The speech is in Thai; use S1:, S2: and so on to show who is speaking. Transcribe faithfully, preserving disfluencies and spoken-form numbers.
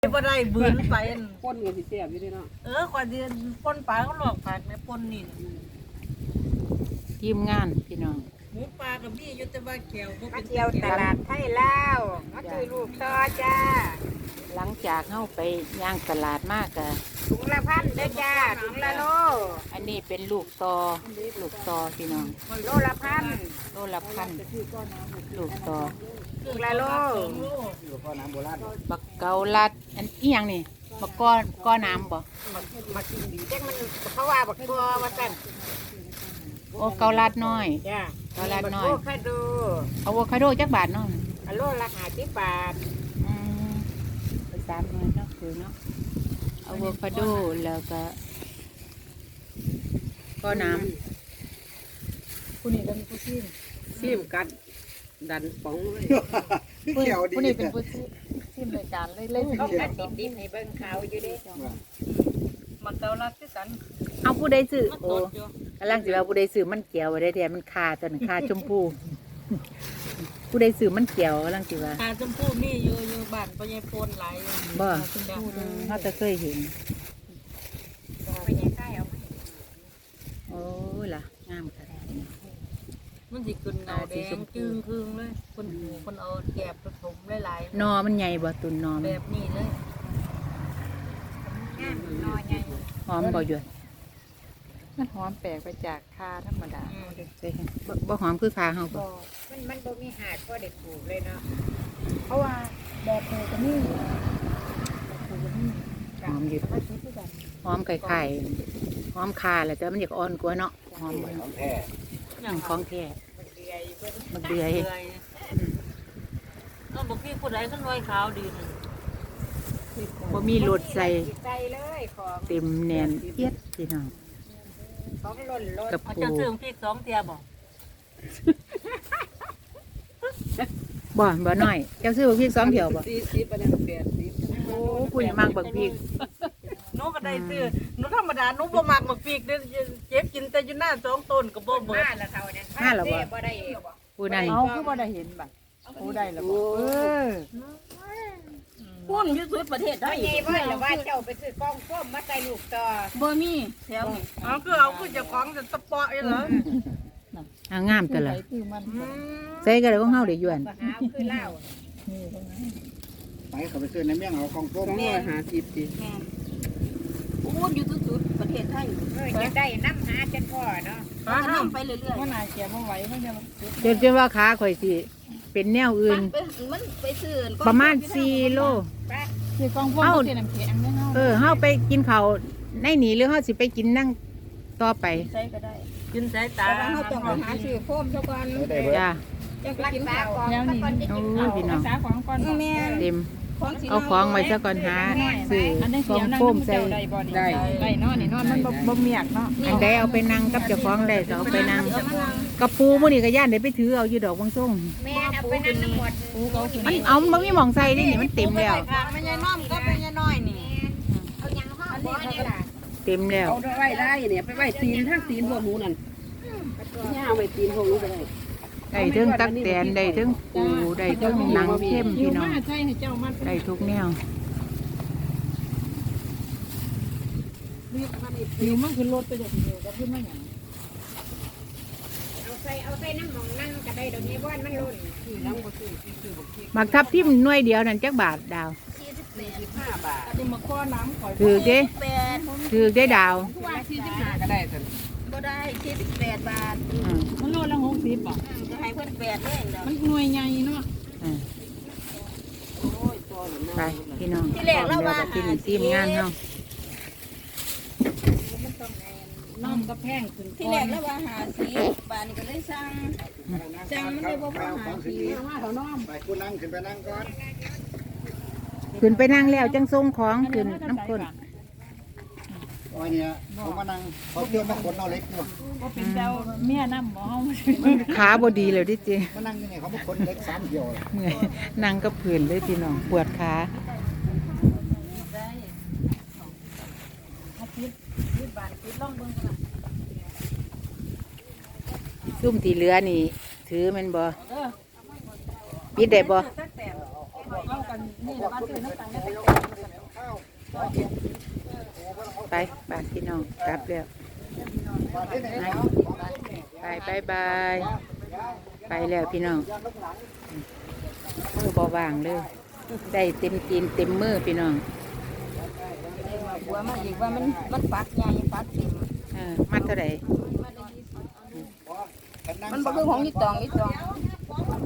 S1: บ่ได้บืนไป
S2: ปนกับสิเสียบอยู่ด้วยเนาะ
S1: เออขวาเดือนปนปลาเขาหลอกผักในปนนี่
S3: ทีมงานพี่น้อง
S1: หมูปลากับพี่ยุติว่าแก้วบ่
S4: มา
S1: เป็น
S4: เที่ยวตลาดไทยลาวมาซื้อลูกต่อจ้า
S3: หลังจากเข้าไปย่างตลาดมากกะ
S4: ถุงละพันเด้อจ้าถุงละโล
S3: อันนี้เป็นลูกตอลูกตอพี่น้อง
S4: โลละพัน
S3: โลละพันลูกตอ
S4: ถุงละโล
S3: บักเกาลัดอันอีหยังนี่บักก้อนก้อนน้ำบ่
S4: มากินดีจังมันเขาว่าบักบัวว่าสั่น
S3: โอ้เกาลัดน้อย
S4: จ้า
S3: เกาลัดน้อย
S4: โอ้คาดู
S3: อะโวคาโดจักบาทเนาะ
S4: โลละห้าสิบบาท
S3: อืมไปสามหน่วยเนาะคือเนาะอะโวคาโดแล้วก็ก้อนน้
S1: ผู้นี้ก็มีผู้ซีม
S2: ซีมกัดดันป๋องเลย
S3: ำผู้ผู้นี้เป็นผู้ซิมรายการเล่น
S4: เขากัดดิบๆให้เบิ่งขาวอยู่เด้
S1: มันเกาลัดคือกัน
S3: เอาผู้ใดซื้อ
S1: มัน
S3: โอ้
S1: ตดอยู่
S3: กำลังสิว่าผู้ใดซื้อมันเกี่ยวไว้ได้แท้มันคาจนคาชมพูผู้ใดซื้อมันเกี่ยวกำลังสิว่า
S1: ปลาชมพูมีอยู่อยู่บ้านพ่อใหญ่โพนหลายอยู่
S3: บ่
S1: ชมพู
S3: เขาจะเคยเห็น
S4: ไปยังใกล้เอา
S3: โอ้ยล่ะงามค่ะ
S1: มันสิขึ้นเงาแดงจึงครึ่งเลยคนคนเอาแกบผสมหลาย
S3: นอมันใหญ่บ่ตุนนอ
S1: ๆ
S3: มั
S1: แบ
S3: น
S1: บนี้เลย
S4: งามน้อยใหญ่
S3: หอมบ่อยู่
S5: มันหอมแปลกไปจากคาธรรมดา
S1: อืม
S3: ใช่ค่ะบ่บ่หอมคือคาเฮาบ่
S4: มันมันบ่มีหาดก็ได้ปลูกเลยเนาะ
S5: เพราะว่าแบบเธอจะนี่
S3: หอมอยู่หอมไข่ๆหอมคาแหละแต่มันอยากอ่อนกว่าเนาะหอมของแท้
S1: อย่าง
S3: ของแท้
S4: มันเดือยเบิ่ง
S3: มันเดือย
S1: เดือยเออบอกพี่ผู้ใดขึ้นไว้ขาวดีนึง
S3: บ่มีรสใส่
S4: ใส่เลยของ
S3: เต็มแน่นเอียดพี่น้อง
S4: ของหล่นหล่น
S3: กับ
S1: เอา
S3: ปู
S1: จะซื้อพริกสองเตียบอก
S3: บ่บ่น้อยเจ้าซื้อบักพริกสองเที่ยวบ่
S2: สี่สิบอันนี้แปดสิบ
S3: โอ้ผู้นี่มักบักพริก
S1: หนูก็ได้ซื้อหนูธรรมดาหนูบ่มักบักพริกเด้อเจ็บกินแต่อยู่หน้าสองต้นก็บ่เบิด
S4: มาแล้วเท่านั้น
S3: มาแล้วบ่
S4: บ่ได้
S3: ผู้นั้น
S5: เอาคือบ่ได้เห็นบัดโอ้ได้แล้วบ่เออ
S1: พุ่นอยู่สุดประเทศได้
S4: ไม่ใช่ว่าแล้วว่าเจ้าไปซื้อกล้องส้มมาใส่ลูกต่อ
S1: บ่มีแถวนี้เอาคือเอาคือเจ้าของจะสปอร์ตเหรอ
S3: อ่างามแต่ละ
S5: คือมัน
S1: อืม
S3: ใส่ก็ได้ของเฮาได้ยวน
S4: มาหาคือเหล้า
S6: ไปเขาไปซื้อในเมี่ยงเอาของต้ม
S2: สองร้อยห้าสิบสิ
S1: พุ่นอยู่สุดๆประเทศไทย
S4: เออจะได้น้ำหาจนพ่อเนาะ
S1: หาน้ำไปเรื่อย
S5: ว่านาเกียบ่ไหวมันจะ
S3: จนจนว่าขาข่อยสิเป็นแนวอื่น
S1: ๆไปมันไปซื้อ
S3: ประมาณสี่โล
S4: ไป
S5: คือกองพวกเสียน้ำแข็งเนี่ยเฮา
S3: เออเฮาไปกินข้าวในนี่หรือเฮาสิไปกินนั่งต่อไป
S5: ใช้ก็ได้
S1: กินสายตา
S5: เฮาต้องหาซื้อโฟมซะก่อน
S6: ได้เบิด
S3: จ้า
S4: จะรักษาของ
S5: แล้วนี่
S3: โอ้ยพี่น้อง
S5: รักษาของก่อนแม่
S3: เต็มเอาของไว้ซะก่อนหาซื้อ
S5: อันนี้
S3: ข
S5: เสี
S3: อย ง
S5: วนั่ง
S3: โฟม
S5: น้ำ
S3: ใส่
S5: เจ้าได้บ่นี่ได้ได้เนาะนี่เนาะมันบ่บ่เมียกเนาะ
S3: อันใดเอาไปนั่งกับเจ้าของได้ก็เอาไปนั่งกระปูมื้อนี้ก็ย่านได้ไปถือเอาอยู่ดอกบางส่ง
S4: แม่เอาไปนั่งน้ำหมด
S5: ปูเขาสิ
S3: มันเอามันบ่มีหม่องใส่นี่นี่มันเต็มแล้ว
S1: ไม่ใช่น้อมก็เป็นยายน้อยนี่
S4: เอายังห้องบ่นี่ล่ะ
S3: เต็มแล้ว
S2: เอาไว้ได้เนี่ยไปไว้ตีนทั้งตีนพวกหนูนั่นย่าเอาไว้ตีนพวกหนูไปได้
S3: ได้ถึงตักแตนได้ถึงปูได้ถึงหนังเข้ม
S5: อยู่
S3: พี่น้อง
S5: มาใช่ให้เจ้ามัน
S3: ได้ทุกแนว
S5: อยู่มันคือรถไปเดี๋ยวเดียวก็ขึ้นมาหยัง
S4: เอาใส่เอาใส่น้ำหมองนั่งก็ได้เดี๋ยวนี้บ้านมันล้น
S3: หมักทับทิมหน่วยเดียวนั่นจักบาทดาว
S2: ห้าบาท
S5: สิมาข้อน้ำข่อย
S3: ถือเด้
S1: แปด
S3: ถือได้ดาว
S5: ว่าสี่สิบห้า
S2: ก็ได้สิ
S1: ก็ได้สี่สิบแปดบาท
S3: อืม
S5: มันโลละหกสิบบ่
S1: จะให้เพิ่นแปดเลยเนาะ
S5: มันหน่วยใหญ่เนาะ
S3: อืม
S2: โอ้ยตัวหนู
S3: ไปพี่น้อง
S1: ที่แรกเราว่า
S3: ที่นี่ทีมงานเฮา
S5: น้ำก็แพงขึ้น
S1: ที่แรกแล้วว่าหาสีบาทนี่ก็เลยสั่ง
S6: จังมันได้บ่พอหาที
S2: มาเถอะน้อง
S6: ไปกูนั่งขึ้นไปนั่งก่อน
S3: ขึ้นไปนั่งแล้วจังส่งของขึ้นน้ำข้น
S6: โอ้ยเนี่ยเขามานั่งเขาเที่ยวมาขนเอาเล็กอยู่
S5: ก็เป็นเจ้าเมียน้ำบ่เฮา
S3: ขาบ่ดีเลยดิเจ
S6: มานั่งอยู่นี่เขามาขนเล็กสามเที่ยวเลย
S3: เมื่อยนั่งกับผื่นเลยพี่น้องปวดขาซุ่มที่เหลือนี่ ถือแมันบ่ปิดได้บ่
S5: เอากันนี่ละบ้านซื้อน้ำตาล
S3: ไปบ้านพี่น้องกลับแล้วไปไปบายไปแล้วพี่น้องมือบอวางเลยได้เต็มตีนเต็มมือพี่น้อง
S2: บัวมาอีกว่ามันมันปักใหญ่ปักเต็ม
S3: เออมัดเท่าไหร่
S2: มันบ่คือของนี่ตองนี่ตอง